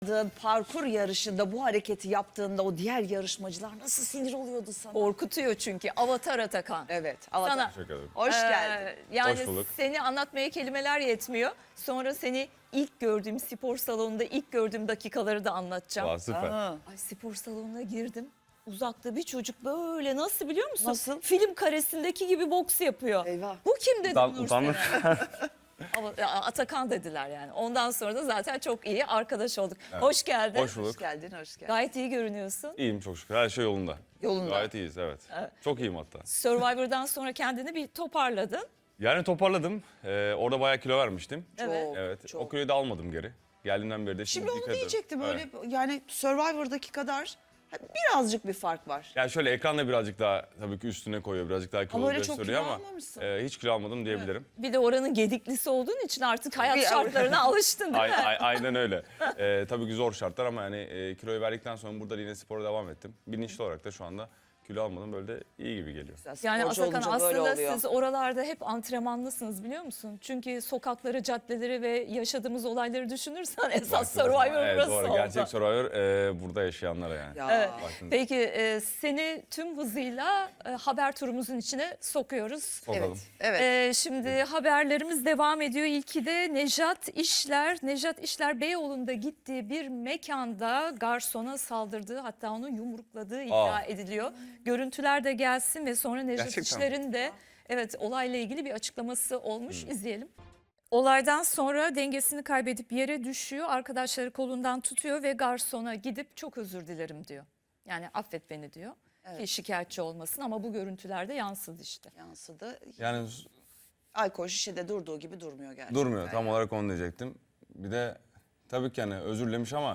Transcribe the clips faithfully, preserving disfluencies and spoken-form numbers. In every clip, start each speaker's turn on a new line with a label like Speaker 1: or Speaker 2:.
Speaker 1: Parkur yarışında bu hareketi yaptığında o diğer yarışmacılar nasıl sinir oluyordu sana?
Speaker 2: Korkutuyor çünkü. Avatar Atakan.
Speaker 1: Evet. Avatar.
Speaker 2: Sana,
Speaker 3: Teşekkür ederim.
Speaker 1: Hoş
Speaker 2: Ee,
Speaker 1: geldin.
Speaker 2: Yani
Speaker 3: Hoş bulduk.
Speaker 2: seni anlatmaya kelimeler yetmiyor. Sonra seni ilk gördüğüm spor salonunda ilk gördüğüm dakikaları da anlatacağım.
Speaker 3: Aa, süper.
Speaker 1: Aa,
Speaker 2: Ay, spor salonuna girdim. Uzakta bir çocuk böyle nasıl biliyor musun?
Speaker 1: Nasıl?
Speaker 2: Film karesindeki gibi boks yapıyor.
Speaker 1: Eyvah.
Speaker 2: Bu kim dedim
Speaker 3: Utan,
Speaker 2: Nursel.
Speaker 3: utanmış.
Speaker 2: Ama ya, Atakan dediler yani. Ondan sonra da zaten çok iyi arkadaş olduk. Hoş geldin.
Speaker 3: Hoş bulduk.
Speaker 1: Hoş geldin, hoş geldin.
Speaker 2: Gayet iyi görünüyorsun.
Speaker 3: İyiyim çok şükür. Her şey yolunda.
Speaker 1: Yolunda.
Speaker 3: Gayet iyiyiz, evet. Çok iyiyim hatta.
Speaker 2: Survivor'dan sonra kendini bir toparladın.
Speaker 3: Yani toparladım. Ee, orada bayağı kilo vermiştim.
Speaker 2: Evet.
Speaker 1: Çok,
Speaker 3: Evet.
Speaker 1: çok.
Speaker 3: O kiloyu da almadım geri. Geldiğimden beri de
Speaker 1: Şimdi
Speaker 3: dikkat
Speaker 1: onu
Speaker 3: ediyorum.
Speaker 1: diyecektim. Öyle
Speaker 3: Evet.
Speaker 1: yani Survivor'daki kadar birazcık bir fark var.
Speaker 3: Yani şöyle ekranla birazcık daha tabii ki üstüne koyuyor. Birazcık daha kilo
Speaker 1: öyle çok
Speaker 3: gösteriyor
Speaker 1: kilo
Speaker 3: ama
Speaker 1: almamışsın.
Speaker 3: e, hiç kilo almadım diyebilirim.
Speaker 2: Bir de oranın gediklisi olduğun için artık hayat
Speaker 1: Bir-
Speaker 2: şartlarına alıştın değil
Speaker 3: Ay-
Speaker 2: mi?
Speaker 3: ay- aynen öyle. Ee, tabii ki zor şartlar ama yani e, kiloyu verdikten sonra burada yine spora devam ettim. Bilinçli olarak da şu anda kilo almadım, böyle de iyi gibi geliyor.
Speaker 2: Yani
Speaker 1: Sporcu
Speaker 2: Atakan
Speaker 1: olunca böyle
Speaker 2: aslında
Speaker 1: oluyor.
Speaker 2: siz oralarda hep antrenmanlısınız biliyor musun? Çünkü sokakları, caddeleri ve yaşadığımız olayları düşünürsen esas
Speaker 3: Baktığınız zaman,
Speaker 2: Survivor
Speaker 3: evet,
Speaker 2: burası
Speaker 3: doğru.
Speaker 2: oldu.
Speaker 3: Gerçek Survivor e, burada yaşayanlara yani.
Speaker 1: Ya.
Speaker 2: Evet.
Speaker 3: Baktığınız-
Speaker 2: Peki e, seni tüm hızıyla e, haber turumuzun içine sokuyoruz.
Speaker 3: Sokalım.
Speaker 1: Evet.
Speaker 2: E, şimdi haberlerimiz devam ediyor. İlki de Nejat İşler. Nejat İşler Beyoğlu'nda gittiği bir mekanda garsona saldırdığı, hatta onu yumrukladığı iddia
Speaker 3: Aa.
Speaker 2: ediliyor. Görüntüler de gelsin ve sonra Nejat
Speaker 3: Gerçekten mi?
Speaker 2: İşler'in de evet olayla ilgili bir açıklaması olmuş. İzleyelim. Olaydan sonra dengesini kaybedip yere düşüyor. Arkadaşları kolundan tutuyor ve garsona gidip çok özür dilerim diyor. Yani affet beni diyor. Ki şikayetçi olmasın, ama bu görüntülerde yansıdı işte.
Speaker 1: Yansıdı.
Speaker 3: Yani
Speaker 1: Alkol şişede durduğu gibi durmuyor gerçekten.
Speaker 3: durmuyor. Tam olarak onu diyecektim. Bir de tabii ki hani özür dilemiş ama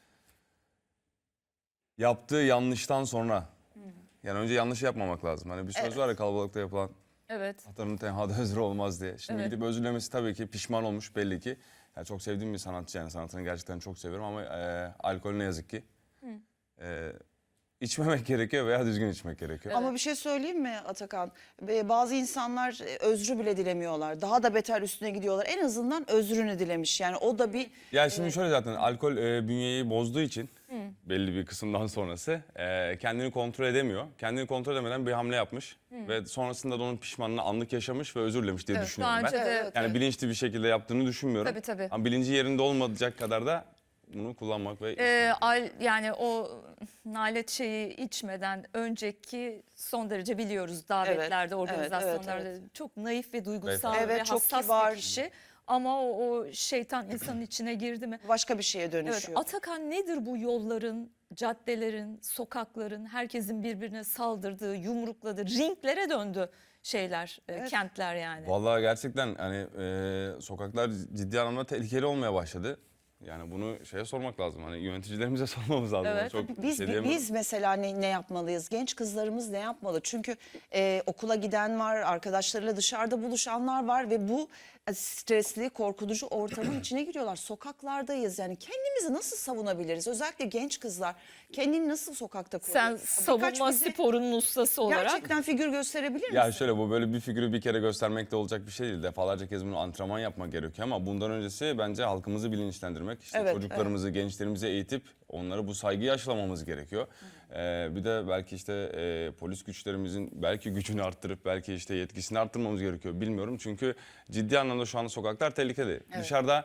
Speaker 3: yaptığı yanlıştan sonra yani önce yanlış yapmamak lazım. Hani bir söz
Speaker 1: Evet.
Speaker 3: var ya, kalabalıkta yapılan
Speaker 2: Evet.
Speaker 3: hatanın tenhada özür olmaz diye. Şimdi
Speaker 2: Evet.
Speaker 3: gidip özür dilemesi tabii ki pişman olmuş belli ki. Yani çok sevdiğim bir sanatçı, yani sanatını gerçekten çok seviyorum ama e, alkol ne yazık ki. E, içmemek gerekiyor veya düzgün içmek gerekiyor.
Speaker 1: Ama bir şey söyleyeyim mi Atakan? Ve bazı insanlar e, özrü bile dilemiyorlar. Daha da beter üstüne gidiyorlar. En azından özrünü dilemiş. Yani o da bir
Speaker 3: Ya şimdi şöyle, zaten alkol e, bünyeyi bozduğu için belli bir kısımdan sonrası e, kendini kontrol edemiyor. Kendini kontrol edemeden bir hamle yapmış ve sonrasında da onun pişmanlığını anlık yaşamış ve özür dilemiş diye
Speaker 2: Evet,
Speaker 3: düşünüyorum
Speaker 2: daha önce
Speaker 3: ben.
Speaker 2: de
Speaker 1: Evet,
Speaker 3: Yani bilinçli bir şekilde yaptığını düşünmüyorum.
Speaker 2: Tabii, tabii.
Speaker 3: Ama bilinci yerinde olmayacak kadar da bunu kullanmak ve
Speaker 2: Ee, al, yani o nalet şeyi içmeden önceki son derece biliyoruz davetlerde,
Speaker 1: Evet,
Speaker 2: organizasyonlarda
Speaker 1: evet, evet.
Speaker 2: çok naif ve duygusal
Speaker 1: Evet,
Speaker 2: ve
Speaker 1: çok
Speaker 2: hassas
Speaker 1: kibar.
Speaker 2: bir kişi. Ama o, o şeytan insanın içine girdi mi?
Speaker 1: başka bir şeye
Speaker 2: Evet,
Speaker 1: dönüşüyor.
Speaker 2: Atakan, nedir bu yolların, caddelerin, sokakların herkesin birbirine saldırdığı, yumrukladığı, ringlere döndü şeyler, e,
Speaker 1: Evet.
Speaker 2: kentler yani.
Speaker 3: Vallahi gerçekten hani e, sokaklar ciddi anlamda tehlikeli olmaya başladı. Yani bunu şeye sormak lazım. Hani yöneticilerimize sormamız lazım.
Speaker 2: Evet.
Speaker 3: Çok bir
Speaker 1: Biz
Speaker 3: şey diyemem.
Speaker 1: biz mesela ne, ne yapmalıyız? Genç kızlarımız ne yapmalı? Çünkü e, okula giden var, arkadaşlarıyla dışarıda buluşanlar var ve bu e, stresli, korkutucu ortamın içine giriyorlar. Sokaklardayız. Yani kendimizi nasıl savunabiliriz? Özellikle genç kızlar kendini nasıl sokakta koruyor?
Speaker 2: Sen
Speaker 1: Birkaç
Speaker 2: savunma
Speaker 1: bize
Speaker 2: sporunun ustası olarak.
Speaker 1: gerçekten figür gösterebilir misin?
Speaker 3: Ya şöyle, bu böyle bir figürü bir kere göstermekle olacak bir şey değil. Defalarca kez bunu antrenman yapmak gerekiyor ama bundan öncesi bence halkımızı bilinçlendirmek. İşte
Speaker 1: Evet,
Speaker 3: çocuklarımızı, gençlerimizi eğitip onlara bu saygıyı aşılamamız gerekiyor. Ee, bir de belki işte e, polis güçlerimizin belki gücünü arttırıp belki işte yetkisini arttırmamız gerekiyor. Bilmiyorum, çünkü ciddi anlamda şu anda sokaklar tehlikeli. Dışarıda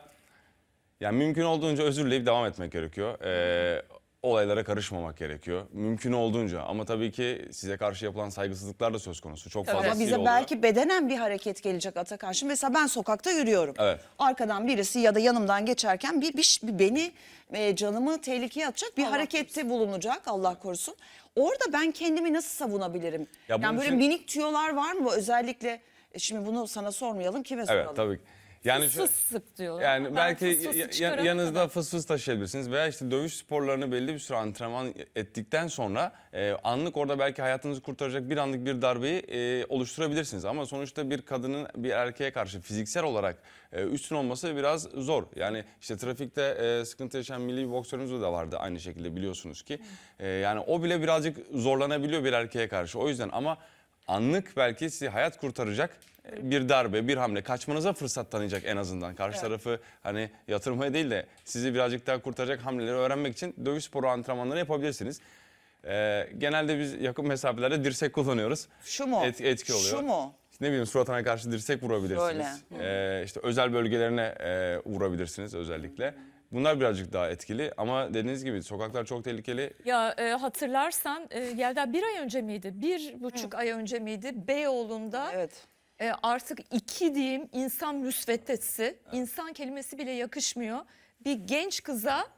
Speaker 3: yani mümkün olduğunca özür dileyip devam etmek gerekiyor. Ee, olaylara karışmamak gerekiyor. Mümkün olduğunca, ama tabii ki size karşı yapılan saygısızlıklar da söz konusu. Çok
Speaker 2: Tabii.
Speaker 3: fazla
Speaker 1: Ama bize belki bedenen bir hareket gelecek Atakan. Şimdi mesela ben sokakta yürüyorum.
Speaker 3: Evet.
Speaker 1: Arkadan birisi ya da yanımdan geçerken bir, bir, bir beni e, canımı tehlikeye atacak bir
Speaker 2: Allah
Speaker 1: harekette bulunacak, Allah korusun. Orada ben kendimi nasıl savunabilirim?
Speaker 3: Ya
Speaker 1: yani
Speaker 3: bunun
Speaker 1: böyle
Speaker 3: için-
Speaker 1: minik tüyolar var mı? Özellikle e, şimdi bunu sana sormayalım, kime soralım?
Speaker 3: Evet, tabii ki. Yani şu,
Speaker 2: Fıs sık diyorlar.
Speaker 3: yani
Speaker 2: Ben
Speaker 3: belki
Speaker 2: fıs fısı
Speaker 3: ya-
Speaker 2: çıkarana
Speaker 3: yanınızda
Speaker 2: kadar.
Speaker 3: fıs fıs taşıyabilirsiniz veya işte dövüş sporlarını belli bir süre antrenman ettikten sonra e, anlık orada belki hayatınızı kurtaracak bir anlık bir darbeyi e, oluşturabilirsiniz. Ama sonuçta bir kadının bir erkeğe karşı fiziksel olarak e, üstün olması biraz zor. Yani işte trafikte e, sıkıntı yaşayan milli bir boksörümüz de vardı aynı şekilde, biliyorsunuz ki. E, yani o bile birazcık zorlanabiliyor bir erkeğe karşı. O yüzden ama anlık belki sizi hayat kurtaracak bir darbe, bir hamle, kaçmanıza fırsat tanıyacak en azından. Karşı
Speaker 1: Evet.
Speaker 3: tarafı hani yatırmaya değil de sizi birazcık daha kurtaracak hamleleri öğrenmek için dövüş sporu antrenmanları yapabilirsiniz. Ee, genelde biz yakın mesafelerde dirsek kullanıyoruz.
Speaker 1: Şu mu?
Speaker 3: Et- etki oluyor.
Speaker 1: Şu mu?
Speaker 3: İşte ne bileyim suratına karşı dirsek vurabilirsiniz. Ee, işte özel bölgelerine e, vurabilirsiniz özellikle. Bunlar birazcık daha etkili ama dediğiniz gibi sokaklar çok tehlikeli.
Speaker 2: Ya e, hatırlarsan e, Yelda bir ay önce miydi? Bir buçuk ay önce miydi? Beyoğlu'nda
Speaker 1: Evet.
Speaker 2: e, artık iki diyeyim insan müsveddesi, insan kelimesi bile yakışmıyor. Bir genç kıza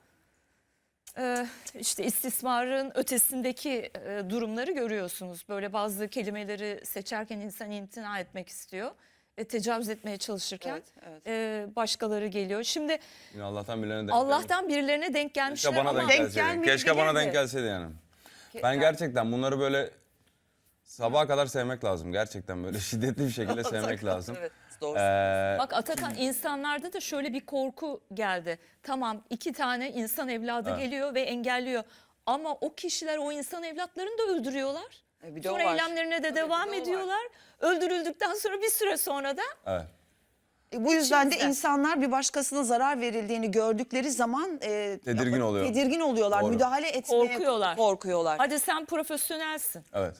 Speaker 2: e, işte istismarın ötesindeki e, durumları görüyorsunuz. Böyle bazı kelimeleri seçerken insan imtina etmek istiyor. Ve tecavüz etmeye çalışırken
Speaker 1: Evet, evet.
Speaker 2: e, başkaları geliyor. Şimdi
Speaker 3: Yine Allah'tan birilerine denk
Speaker 2: Allah'tan birilerine denk gelmişler
Speaker 3: Keşke bana
Speaker 2: ama
Speaker 3: denk
Speaker 1: denk
Speaker 3: gelseydi.
Speaker 1: gelmedi
Speaker 3: Keşke bana
Speaker 1: geldi.
Speaker 3: denk gelseydi yani. Ben gerçekten bunları böyle sabaha kadar sevmek lazım. Gerçekten böyle şiddetli bir şekilde sevmek lazım.
Speaker 1: Evet, doğru.
Speaker 3: Ee,
Speaker 2: bak Atakan insanlarda da şöyle bir korku geldi. Tamam iki tane insan evladı
Speaker 3: Evet.
Speaker 2: geliyor ve engelliyor. Ama o kişiler o insan evlatlarını da öldürüyorlar.
Speaker 1: E, bir de o
Speaker 2: Sonra
Speaker 1: var.
Speaker 2: eylemlerine de
Speaker 1: Tabii,
Speaker 2: devam
Speaker 1: bir de o var.
Speaker 2: ediyorlar. Öldürüldükten sonra bir süre sonra da
Speaker 3: evet.
Speaker 1: E, Bu yüzden de
Speaker 2: İçimizde.
Speaker 1: insanlar bir başkasına zarar verildiğini gördükleri zaman e,
Speaker 3: Tedirgin oluyor.
Speaker 1: Tedirgin oluyorlar.
Speaker 3: Doğru.
Speaker 1: Müdahale etmeye
Speaker 2: Korkuyorlar.
Speaker 1: korkuyorlar.
Speaker 2: hadi sen profesyonelsin.
Speaker 3: Evet.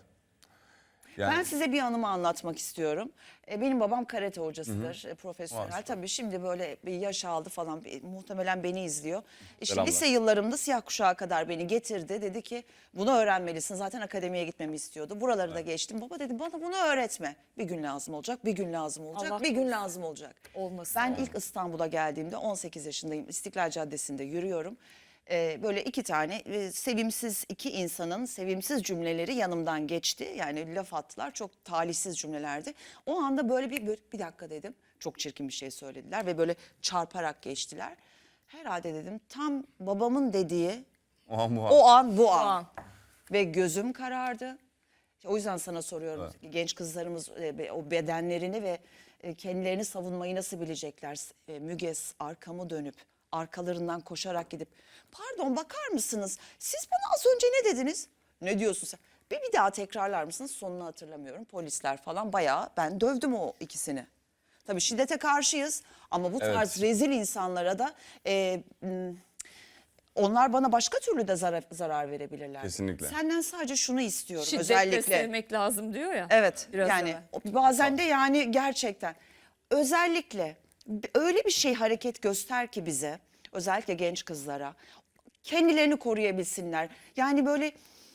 Speaker 3: Yani
Speaker 1: Ben size bir anımı anlatmak istiyorum. E, Benim babam karate hocasıdır, e, profesyonel.
Speaker 3: Vay,
Speaker 1: Tabii şimdi böyle bir yaş aldı falan, bir- muhtemelen beni izliyor. E, Şimdi
Speaker 3: Selamlar.
Speaker 1: lise yıllarımda siyah kuşağa kadar beni getirdi. Dedi ki bunu öğrenmelisin. Zaten akademiye gitmemi istiyordu. Buraları da geçtim. Baba dedi bana bunu öğretme. Bir gün lazım olacak, bir gün lazım olacak,
Speaker 2: Allah
Speaker 1: bir gün
Speaker 2: korusun.
Speaker 1: lazım olacak.
Speaker 2: Olmasın.
Speaker 1: Ben ilk İstanbul'a geldiğimde on sekiz yaşındayım. İstiklal Caddesi'nde yürüyorum. Ee, böyle iki tane e, sevimsiz iki insanın sevimsiz cümleleri yanımdan geçti. Yani laf attılar, çok talihsiz cümlelerdi. O anda böyle bir, böyle bir dakika dedim. Çok çirkin bir şey söylediler ve böyle çarparak geçtiler. Herhalde dedim tam babamın dediği
Speaker 3: o an bu an.
Speaker 1: o an bu
Speaker 2: O
Speaker 1: an.
Speaker 2: an.
Speaker 1: Ve gözüm karardı. O yüzden sana soruyorum. Genç kızlarımız e, be- o bedenlerini ve e, kendilerini savunmayı nasıl bilecekler? E, Müge arkamı dönüp arkalarından koşarak gidip pardon bakar mısınız? Siz bana az önce ne dediniz? Ne diyorsun sen? Bir, bir daha tekrarlar mısınız? Sonunu hatırlamıyorum. Polisler falan bayağı ben dövdüm o ikisini. Tabii şiddete karşıyız ama bu
Speaker 3: Evet.
Speaker 1: tarz rezil insanlara da e, m, onlar bana başka türlü de zarar, zarar verebilirler.
Speaker 3: Kesinlikle.
Speaker 1: Senden sadece şunu istiyorum
Speaker 2: Şiddetle
Speaker 1: özellikle.
Speaker 2: sevmek lazım diyor ya.
Speaker 1: Evet
Speaker 2: Biraz
Speaker 1: yani
Speaker 2: evvel.
Speaker 1: o- bazen de yani gerçekten özellikle b- öyle bir şey hareket göster ki bize özellikle genç kızlara kendilerini koruyabilsinler. Yani böyle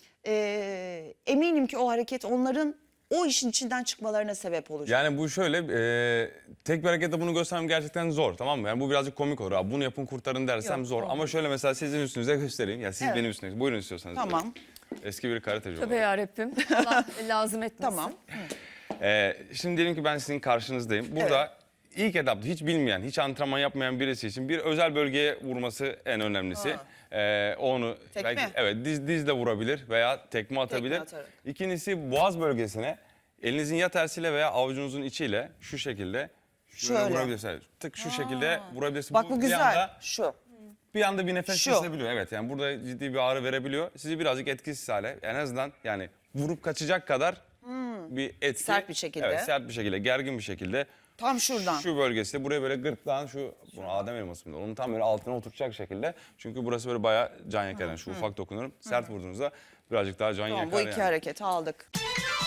Speaker 1: e, eminim ki o hareket onların o işin içinden çıkmalarına sebep olacak.
Speaker 3: Yani bu şöyle e, tek bir harekette bunu göstermem gerçekten zor, tamam mı? Yani bu birazcık komik olur. Abi bunu yapın kurtarın dersem
Speaker 2: Yok,
Speaker 3: zor.
Speaker 2: olmaz.
Speaker 3: Ama şöyle mesela sizin üstünüze göstereyim. Ya siz
Speaker 1: Evet.
Speaker 3: benim üstünüze. Buyurun istiyorsanız.
Speaker 1: Tamam.
Speaker 3: Eski bir karateci
Speaker 2: Tövbe
Speaker 3: olarak.
Speaker 2: yarabbim. Allah lazım etmesin.
Speaker 1: Tamam.
Speaker 3: Ee, şimdi diyelim ki ben sizin karşınızdayım. Burada ilk etapta hiç bilmeyen, hiç antrenman yapmayan birisi için bir özel bölgeye vurması en önemlisi. Ee, onu
Speaker 1: Tekme.
Speaker 3: belki evet diz dizle vurabilir veya tekme atabilir.
Speaker 1: atarak.
Speaker 3: İkincisi boğaz bölgesine elinizin ya tersiyle veya avucunuzun içiyle şu şekilde şöyle
Speaker 1: Şöyle.
Speaker 3: vurabilirsiniz. Tık şu şekilde vurabilirsiniz.
Speaker 1: Bak bu
Speaker 3: bir
Speaker 1: güzel.
Speaker 3: anda
Speaker 1: Şu.
Speaker 3: bir anda bir nefes
Speaker 1: Şu.
Speaker 3: kesebiliyor. Evet yani burada ciddi bir ağrı verebiliyor. Sizi birazcık etkisiz hale en azından yani vurup kaçacak kadar bir etki.
Speaker 1: Hmm. Sert bir şekilde.
Speaker 3: Evet sert bir şekilde, gergin bir şekilde.
Speaker 1: Tam şuradan.
Speaker 3: Şu bölgesi buraya böyle gırtlağın şu, bunu Adem elması mı? Onun tam böyle altına oturacak şekilde. Çünkü burası böyle bayağı can yakar. Yani şu ufak dokunurum. Sert vurduğunuzda birazcık daha can
Speaker 1: Tamam,
Speaker 3: yakar
Speaker 1: bu iki
Speaker 3: yani.
Speaker 1: hareketi aldık.